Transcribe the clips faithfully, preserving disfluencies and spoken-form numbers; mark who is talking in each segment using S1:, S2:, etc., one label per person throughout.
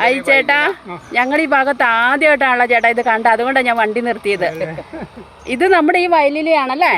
S1: I ചേട്ടാ, ഞങ്ങൾ ഈ ഭാഗത്ത് ആദ്യമായിട്ടാണല്ലോ ചേട്ടാ ഇത് കണ്ട, അതുകൊണ്ടാണ് ഞാൻ വണ്ടി നിർത്തിയത്. ഇത് നമ്മുടെ ഈ വയലിലെയാണല്ലേ?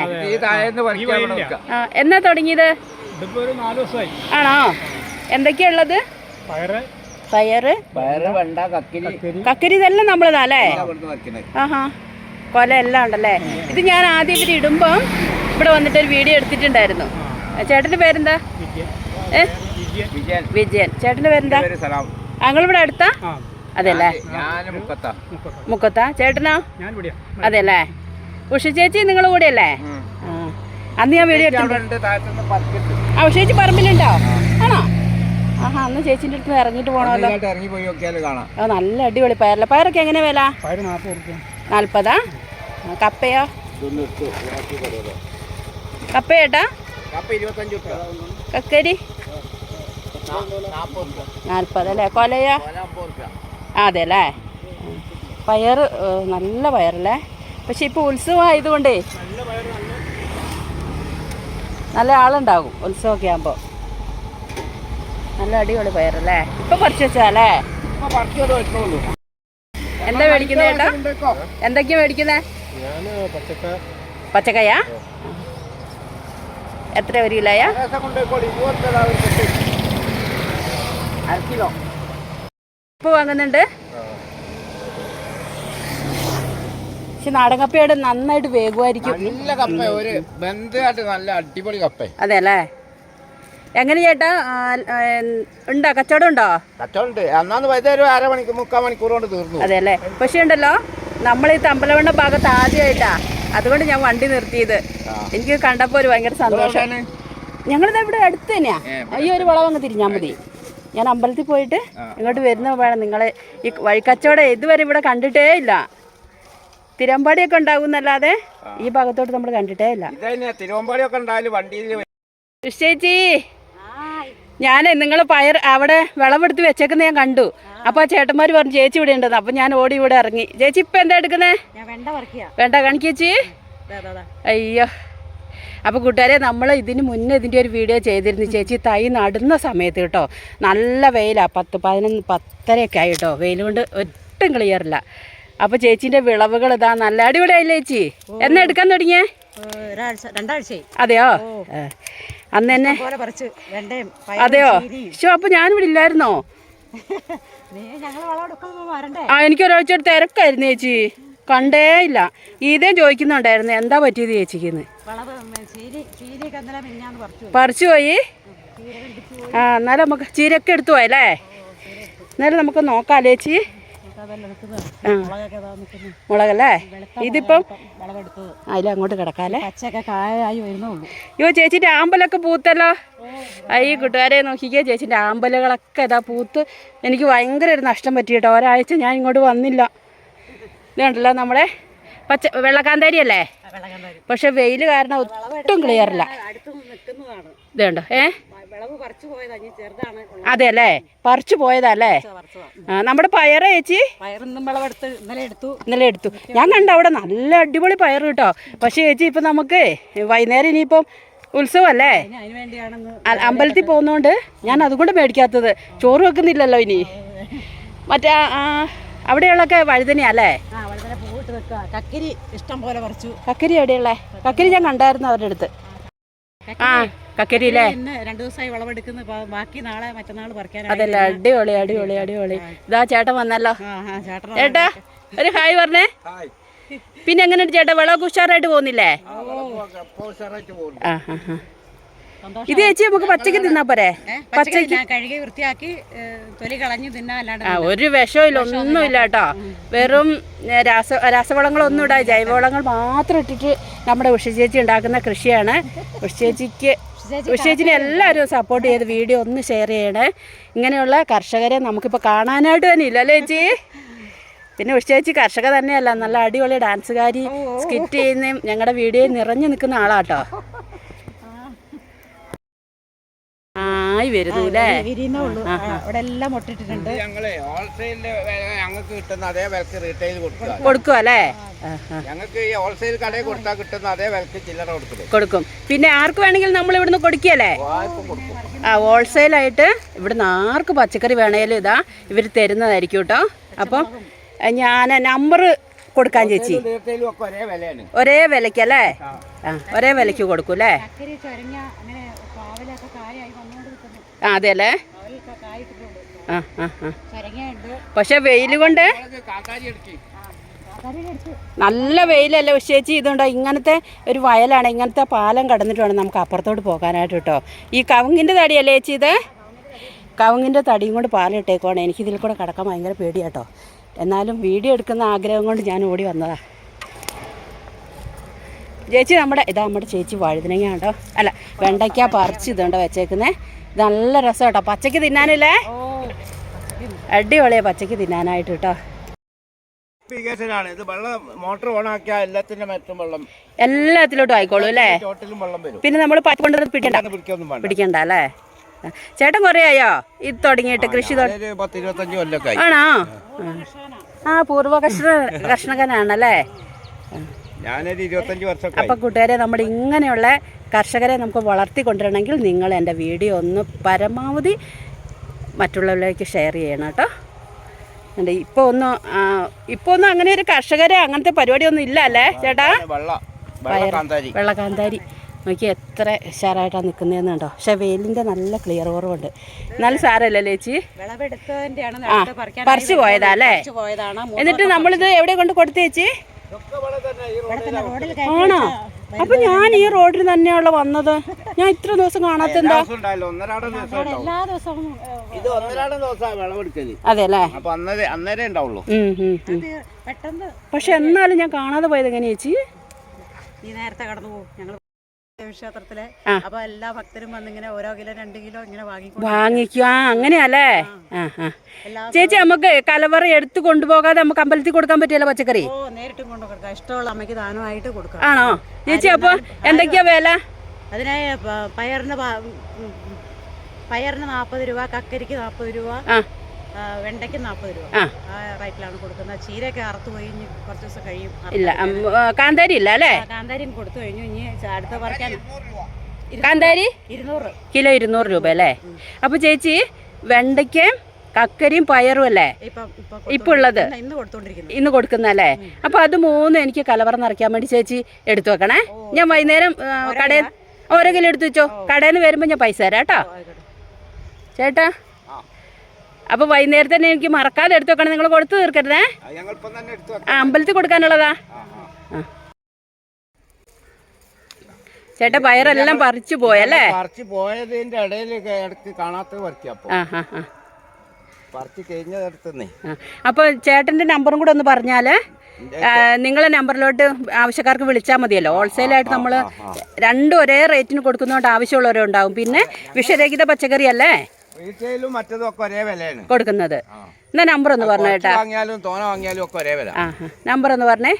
S1: എന്നാ തുടങ്ങിയത്? ആണോ? എന്തൊക്കെയുള്ളത്? പയറ്, കക്കരി, ഇതെല്ലാം നമ്മളതാ അല്ലേ? ആഹാ, കൊല എല്ലാം ഉണ്ടല്ലേ. ഇത് ഞാൻ ആദ്യം ഇവർ ഇടുമ്പം ഇവിടെ വന്നിട്ടൊരു വീഡിയോ എടുത്തിട്ടുണ്ടായിരുന്നു. ചേട്ടന്റെ പേരെന്താ? ഏ വിജയൻ. ചേട്ടന്റെ പേരെന്താ? ഞങ്ങളിവിടെ അടുത്താ? അതെല്ലേ, മുക്കത്താ. ചേട്ടനോ? അതെല്ലേ. ഉഷ ചേച്ചി നിങ്ങളുടെ കൂടെ അല്ലേ? അന്ന് ഞാൻ വീഡിയോ എടുത്തിട്ടുണ്ട്. ആ ഉഷ ചേച്ചി പറമ്പിലുണ്ടോ? ആണോ? ആഹാ, അന്ന് ചേച്ചിന്റെ അടുത്ത് ഇറങ്ങിട്ട് പോണല്ലോ. ആ നല്ല അടിപൊളി പയറല്ല. പയറൊക്കെ എങ്ങനെ വില? നാല്പതാ. കപ്പയോ? കപ്പയേട്ടാ? കക്കരി നാൽപ്പത് അല്ലേ? കൊലയോ? അതെ അല്ലേ. പയറ് നല്ല പയറല്ലേ. പക്ഷെ ഇപ്പൊ ഉത്സവം ആയതുകൊണ്ടേ നല്ല ആളുണ്ടാകും ഉത്സവമൊക്കെ ആകുമ്പോ. നല്ല അടിപൊളി പയറല്ലേ. ഇപ്പൊ പറിച്ചു വെച്ചാലേ. എന്താ മേടിക്കുന്നത് ചേട്ടാ? എന്തൊക്കെയാ മേടിക്കുന്നേ? പച്ചക്കയാ? എത്ര ഒരു കിലോയാ? ഉപ്പ് വാങ്ങുന്നുണ്ട്. പക്ഷെ നാടൻ കപ്പയോട് നന്നായിട്ട് വേഗമായിരിക്കും. അതെ അല്ലേ. എങ്ങനെ ചേട്ടാ ഉണ്ടോ? കച്ചവടം ഉണ്ടോ? അതെ അല്ലേ. പക്ഷെ ഉണ്ടല്ലോ, നമ്മൾ ഈ തമ്പലവണ്ണ ഭാഗത്ത് ആദ്യമായിട്ടാ, അതുകൊണ്ട് ഞാൻ വണ്ടി നിർത്തിയത്. എനിക്ക് കണ്ടപ്പോ ഒരു ഭയങ്കര സന്തോഷം. ഞങ്ങളിത് ഇവിടെ അടുത്ത് തന്നെയാ. ഈ ഒരു വളം അങ്ങ് തിരിഞ്ഞാൽ മതി. ഞാൻ അമ്പലത്തിൽ പോയിട്ട് ഇങ്ങോട്ട് വരുന്ന വേണം. നിങ്ങളെ ഈ വഴിക്കച്ചവടം ഇതുവരെ ഇവിടെ കണ്ടിട്ടേ ഇല്ല. തിരുവമ്പാടിയൊക്കെ ഉണ്ടാകുന്നല്ലാതെ ഈ ഭാഗത്തോട്ട് നമ്മൾ കണ്ടിട്ടേ ഇല്ല. ചേച്ചി, ഞാൻ നിങ്ങൾ പയർ അവിടെ വിളവെടുത്ത് വെച്ചേക്കുന്ന ഞാൻ കണ്ടു. അപ്പൊ ആ ചേട്ടന്മാർ പറഞ്ഞു ചേച്ചി ഇവിടെ ഉണ്ടെന്ന്. അപ്പൊ ഞാൻ ഓടി ഇവിടെ ഇറങ്ങി. ചേച്ചി ഇപ്പൊ എന്താ എടുക്കുന്നേ? വേണ്ട കാണിക്കേച്ചി. അയ്യോ. അപ്പോൾ കൂട്ടുകാരെ, നമ്മൾ ഇതിന് മുന്നേ ഇതിൻ്റെ ഒരു വീഡിയോ ചെയ്തിരുന്നു. ചേച്ചി തൈ നടുന്ന സമയത്ത് കേട്ടോ. നല്ല വെയിലാണ്. പത്ത് പതിനൊന്ന് പത്തരയൊക്കെ ആയി കേട്ടോ. വെയിൽ കൊണ്ട് ഒട്ടും ക്ലിയറില്ല. അപ്പോൾ ചേച്ചീൻ്റെ വിളവുകൾ ഇതാ നല്ല അടിപൊളിയായില്ലേ ചേച്ചി? എന്നാ എടുക്കാൻ തുടങ്ങിയേ?
S2: രണ്ടാഴ്ചയായി.
S1: അതെയോ? അന്ന് തന്നെ അതെയോ? ശോ, അപ്പോൾ ഞാനിവിടെ ഇല്ലായിരുന്നോ? ആ, എനിക്കൊരാഴ്ച തിരക്കായിരുന്നു ചേച്ചി, കണ്ടേ ഇല്ല. ഇതേ ചോദിക്കുന്നുണ്ടായിരുന്നു എന്താ പറ്റിയത് ചേച്ചിക്ക്. പറിച്ചു പോയി. ആ, എന്നാലും നമുക്ക് ചീരയൊക്കെ എടുത്തു പോയല്ലേ. എന്നാലും നമുക്ക് നോക്കാം ചേച്ചി. മുളകല്ലേ ഇതിപ്പം? അതിലങ്ങോട്ട് കിടക്കാല്ലേ. അയ്യോ, ചേച്ചിന്റെ ആമ്പലൊക്കെ പൂത്തല്ലോ. ഈ കൂട്ടുകാരെ നോക്കിക്കേ, ചേച്ചിന്റെ ആമ്പലുകളൊക്കെ ഇതാ പൂത്ത്. എനിക്ക് ഭയങ്കര ഒരു നഷ്ടം പറ്റി കേട്ടോ. ഒരാഴ്ച ഞാൻ ഇങ്ങോട്ട് വന്നില്ല. ഇതുണ്ടല്ലോ നമ്മുടെ പച്ച വെള്ളക്കാന്താരി അല്ലേ? പക്ഷെ വെയിൽ കാരണം ഒട്ടും ക്ലിയറില്ല. ഇതുണ്ടോ? ഏ അതെ അല്ലേ, പറിച്ചു പോയതല്ലേ. നമ്മുടെ പയറ് ചേച്ചി ഇന്നലെ എടുത്തു. ഞാൻ കണ്ട അവിടെ നല്ല അടിപൊളി പയറ് കേട്ടോ. പക്ഷെ ചേച്ചി ഇപ്പൊ നമുക്ക് വൈകുന്നേരം ഇനിയിപ്പം ഉത്സവല്ലേ, അമ്പലത്തിൽ പോകുന്നോണ്ട് ഞാൻ അതുകൊണ്ട് മേടിക്കാത്തത്. ചോറ് വെക്കുന്നില്ലല്ലോ ഇനി. മറ്റേ അവിടെയുള്ളൊക്കെ വഴുതനയല്ലേ?
S2: കക്കരി ഇഷ്ടം പോലെ പറിച്ചു.
S1: കക്കരി എവിടെയുള്ളേ? കക്കരി ഞാൻ കണ്ടായിരുന്നു അവരുടെ അടുത്ത്. ആ, കക്കരിയില്ലേ?
S2: രണ്ടു ദിവസമായി വിളവെടുക്കുന്നു. ബാക്കി നാളെ മറ്റന്നാൾ പറിക്കാൻ.
S1: അതല്ല, അടിപൊളി അടിപൊളി അടിപൊളി. ഇതാ ചേട്ടൻ വന്നല്ലോ. ചേട്ടാ ഒരു ഹായ് പറഞ്ഞേ. പിന്നെ എങ്ങനെയുണ്ട് ചേട്ടാ, വിളവൊക്കെ ഉഷാറായിട്ട് പോകുന്നില്ലേ? ആ ഹാ ഹാ. ഇത് ചേച്ചി നമുക്ക് പച്ചക്ക് തിന്നാ പോരെ? പച്ചക്ക്
S2: കഴുകി വൃത്തിയാക്കി തൊലി കളഞ്ഞു തിന്നാല്ലാണ്ട്. ആ,
S1: ഒരു വിഷവും ഇല്ല, ഒന്നുമില്ല കേട്ടോ. വെറും രാസ രാസവളങ്ങളൊന്നും ഇടാ, ജൈവവളങ്ങൾ മാത്രം ഇട്ടിട്ട് നമ്മുടെ ഉഷ ചേച്ചി ഉണ്ടാക്കുന്ന കൃഷിയാണ്. ഉഷ ചേച്ചിക്ക് ഉഷ ചേച്ചിനെ എല്ലാവരും സപ്പോർട്ട് ചെയ്ത് വീഡിയോ ഒന്ന് ഷെയർ ചെയ്യണേ. ഇങ്ങനെയുള്ള കർഷകരെ നമുക്കിപ്പോൾ കാണാനായിട്ട് തന്നെ ഇല്ല അല്ലേ ചേച്ചി? പിന്നെ ഉഷ ചേച്ചി കർഷക തന്നെയല്ല, നല്ല അടിപൊളി ഡാൻസുകാരി, സ്കിറ്റ് ചെയ്യുന്നതും ഞങ്ങളുടെ വീഡിയോയിൽ നിറഞ്ഞു നിൽക്കുന്ന ആളാട്ടോ. ആയി വരുന്നു അല്ലേ?
S2: അവിടെ എല്ലാം മുട്ടിട്ടിട്ടുണ്ട്.
S3: ഞങ്ങൾക്ക് കിട്ടുന്ന അതേ വിലക്ക് റീറ്റെയിൽ
S1: കൊടുക്കും അല്ലേ?
S3: ഞങ്ങൾക്ക് ഈ ഹോൾസെയിൽ കടയിൽ കൊടുത്താൽ കിട്ടുന്ന അതേ വിലക്ക് ചില്ലറ കൊടുക്കും.
S1: കൊടുക്കും. പിന്നെ ആർക്ക് വേണമെങ്കിലും നമ്മൾ ഇവിടുന്ന് കൊടുക്കുകയല്ലേ? ആ ഹോൾസെയിലായിട്ട് ഇവിടുന്ന് ആർക്ക് പച്ചക്കറി വേണേലും ഇതാ ഇവർ തരുന്നതായിരിക്കും കേട്ടോ. അപ്പം ഞാൻ നമ്പർ കൊടുക്കാൻ ചേച്ചി.
S3: റീറ്റെയിലും ഒക്കെ ഒരേ വിലയാണ്.
S1: ഒരേ വിലയ്ക്കല്ലേ? ആ ഒരേ വിലയ്ക്ക് കൊടുക്കും അല്ലേ? ആ അതെ അല്ലേ? ആ ആ ആ പക്ഷെ വെയിൽ കൊണ്ട് നല്ല വെയിലല്ലേ ചേച്ചി. ഇതുണ്ടോ ഇങ്ങനത്തെ ഒരു വയലാണ്, ഇങ്ങനത്തെ പാലം കടന്നിട്ട് വേണം നമുക്ക് അപ്പുറത്തോട്ട് പോകാനായിട്ട് കേട്ടോ. ഈ കവുങ്ങിൻ്റെ തടിയല്ലേ ചേച്ചി ഇത്? കവുങ്ങിൻ്റെ തടിയും കൊണ്ട് പാലിട്ടേക്കുവാണ്. എനിക്കിതിൽ കൂടെ കിടക്കാൻ ഭയങ്കര പേടിയാട്ടോ. എന്നാലും വീഡിയോ എടുക്കുന്ന ആഗ്രഹം കൊണ്ട് ഞാൻ ഓടി വന്നതാ. ചേച്ചി നമ്മുടെ ഇതാ നമ്മുടെ ചേച്ചി വഴുതനങ്ങ കേട്ടോ, അല്ല വെണ്ടയ്ക്ക പറിച്ച് ഇതുണ്ടോ വെച്ചേക്കുന്നത്. ഇത് നല്ല രസം കേട്ടോ പച്ചയ്ക്ക് തിന്നാനില്ലേ? അടിപൊളിയാണ് പച്ചയ്ക്ക് തിന്നാനായിട്ട് കേട്ടോ.
S3: ഇത് വെള്ളം മോട്ടർ ഓൺ ആക്കിയാൽ എല്ലാത്തിന്റെ മറ്റും വെള്ളം
S1: എല്ലാത്തിലോട്ടും ആയിക്കോളൂ അല്ലേ?
S3: വെള്ളം വരും.
S1: പിന്നെ നമ്മൾ പൈപ്പ് കൊണ്ടുവന്ന് പിടിക്കണ്ട പിടിക്കണ്ട അല്ലേ? ചേട്ടൻ കുറേ ആയോ ഇത് തുടങ്ങിയിട്ട് കൃഷി?
S3: പത്ത് ഇരുപത്തഞ്ച് കൊല്ലൊക്കെ
S1: ആണോ? ആ പൂർവ്വ കർഷക കർഷകനാണല്ലേ?
S3: ഞാനൊരു ഇരുപത്തഞ്ച് വർഷം.
S1: അപ്പം കൂട്ടുകാരെ നമ്മുടെ ഇങ്ങനെയുള്ള കർഷകരെ നമുക്ക് വളർത്തിക്കൊണ്ടിരണമെങ്കിൽ നിങ്ങൾ എൻ്റെ വീഡിയോ ഒന്ന് പരമാവധി മറ്റുള്ളവരിലേക്ക് ഷെയർ ചെയ്യണം കേട്ടോ. ഉണ്ട് ഇപ്പോൾ ഒന്നും ഇപ്പോൾ ഒന്നും അങ്ങനെ ഒരു കർഷകരെ അങ്ങനത്തെ പരിപാടിയൊന്നും ഇല്ല അല്ലേ ചേട്ടാ? വെള്ളക്കാന്താരി നോക്കി എത്ര ഉഷാറായിട്ടാണ് നിൽക്കുന്നതെന്ന് കണ്ടോ. പക്ഷെ വെയിലിൻ്റെ നല്ല ക്ലിയർ കുറവുണ്ട്. എന്നാലും സാരമല്ലേ ചേച്ചി? ആ പറിച്ചു പോയതാ അല്ലേ? എന്നിട്ട് നമ്മളിത് എവിടെ കൊണ്ട് കൊടുത്തു ചേച്ചി? ആണോ? അപ്പൊ ഞാൻ ഈ റോഡിൽ തന്നെയുള്ള വന്നത്. ഞാൻ ഇത്ര ദിവസം കാണാത്തെന്താ? അതെ അല്ലേ? പക്ഷെ എന്നാലും ഞാൻ കാണാതെ പോയത് എങ്ങനെയാ ചേച്ചി?
S2: ഈ നേരത്തെ കടന്നു പോകും ഞങ്ങൾ ക്ഷേത്രത്തിലെ. അപ്പൊ എല്ലാ ഭക്തരും വന്നിങ്ങനെ ഓരോ കിലോ രണ്ട് കിലോ ഇങ്ങനെ
S1: വാങ്ങിക്കും. ആ അങ്ങനെയല്ലേ? ആ ആ ചേച്ചി നമുക്ക് കലവറ എടുത്ത് കൊണ്ടുപോകാതെ നമുക്ക് അമ്പലത്തിൽ കൊടുക്കാൻ പറ്റിയല്ലോ പച്ചക്കറി?
S2: ഓ നേരിട്ടും കൊണ്ടു കൊടുക്കാം. ഇഷ്ടമുള്ള അമ്മയ്ക്ക് ദാനമായിട്ട് കൊടുക്കാം.
S1: ആണോ ചേച്ചി? അപ്പൊ എന്തൊക്കെയാ വില?
S2: അതിനെ പയറിന് പയറിന് നാൽപ്പത് രൂപ, കക്കരിക്ക് നാൽപ്പത് രൂപ, വെണ്ടയ്ക്ക് നാൽപ്പത് രൂപ ആ റേറ്റിലാണ് കൊടുക്കുന്നത്. ചീരയൊക്കെ അറുത്ത് കഴിഞ്ഞ് കുറച്ച് ദിവസം കഴിയും.
S1: ഇല്ല കാന്താരി ഇല്ല അല്ലേ?
S2: കാന്താരിയും കൊടുത്തു കഴിഞ്ഞു. ഇനി അടുത്ത പറിക്കാൻ
S1: കാന്താരി
S2: ഇരുന്നൂറ്
S1: കിലോ ഇരുന്നൂറ് രൂപ അല്ലേ? അപ്പൊ ചേച്ചി വെണ്ടയ്ക്കയും കക്കരിയും പയറും അല്ലേ ഇപ്പൊ ഉള്ളത്? ഇന്ന് കൊടുക്കുന്നല്ലേ? അപ്പൊ അത് മൂന്നും എനിക്ക് കലവറ നിറയ്ക്കാൻ വേണ്ടി ചേച്ചി എടുത്തു വെക്കണേ. ഞാൻ വൈകുന്നേരം കടയിൽ ഓരോ കിലോ എടുത്തു വെച്ചോ. കടയിൽ നിന്ന് വരുമ്പോ ഞാൻ പൈസ തരാം കേട്ടോ ചേട്ടാ. അപ്പൊ വൈകുന്നേരം തന്നെ എനിക്ക് മറക്കാതെ എടുത്തു വെക്കണം. നിങ്ങൾ കൊടുത്തു തീർക്കരുതേ. ആ അമ്പലത്തിൽ കൊടുക്കാനുള്ളതാ. ചേട്ടാ പയറെല്ലാം പറിച്ചു പോയല്ലേ?
S3: പറിച്ചു പോയതിന്റെ ഇടയിൽ കാണാത്ത
S1: അപ്പൊ ചേട്ടന്റെ നമ്പറും കൂടെ ഒന്ന് പറഞ്ഞാല് നിങ്ങളെ നമ്പറിലോട്ട് ആവശ്യക്കാർക്ക് വിളിച്ചാൽ മതിയല്ലോ. ഹോൾസെയിലായിട്ട് നമ്മൾ രണ്ടും ഒരേ റേറ്റിന് കൊടുക്കുന്നതുകൊണ്ട് ആവശ്യമുള്ളവരുണ്ടാവും. പിന്നെ വിഷരഹിത പച്ചക്കറി അല്ലേ കൊടുക്കുന്നത്? എന്നാ നമ്പർ ഒന്ന് പറഞ്ഞു കേട്ടാ. നമ്പർ ഒന്ന് പറഞ്ഞേ.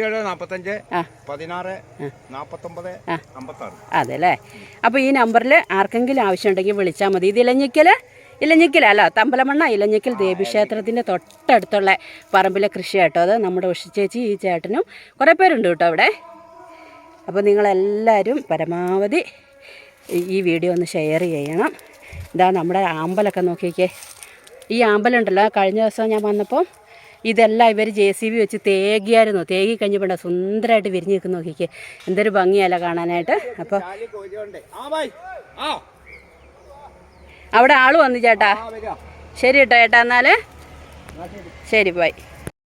S1: അതെ അല്ലേ? അപ്പൊ ഈ നമ്പറിൽ ആർക്കെങ്കിലും ആവശ്യമുണ്ടെങ്കിൽ വിളിച്ചാൽ മതി. ഇത് ഇലഞ്ഞിക്കല് ഇലഞ്ഞിക്കലല്ല തമ്പലമണ്ണ ഇലഞ്ഞിക്കൽ ദേവീക്ഷേത്രത്തിൻ്റെ തൊട്ടടുത്തുള്ള പറമ്പിലെ കൃഷി കേട്ടോ. അത് നമ്മുടെ ഉഷ ചേച്ചി ഈ ചേട്ടനും കുറേ പേരുണ്ട് കേട്ടോ അവിടെ. അപ്പോൾ നിങ്ങളെല്ലാവരും പരമാവധി ഈ വീഡിയോ ഒന്ന് ഷെയർ ചെയ്യണം. ഇതാ നമ്മുടെ ആമ്പലൊക്കെ നോക്കിക്കേ. ഈ ആമ്പലുണ്ടല്ലോ കഴിഞ്ഞ ദിവസം ഞാൻ വന്നപ്പോൾ ഇതെല്ലാം ഇവർ ജെ സി ബി വെച്ച് തേകിയായിരുന്നു. തേകി കഴിഞ്ഞപ്പോൾ സുന്ദരമായിട്ട് വിരിഞ്ഞ് നിൽക്കുന്ന നോക്കിക്കേ. എന്തൊരു ഭംഗിയല്ല കാണാനായിട്ട്. അപ്പോൾ അവിടെ ആള് വന്നു ചേട്ടാ. ശരി കേട്ടോ ചേട്ടാ. എന്നാൽ ശരി ബൈ.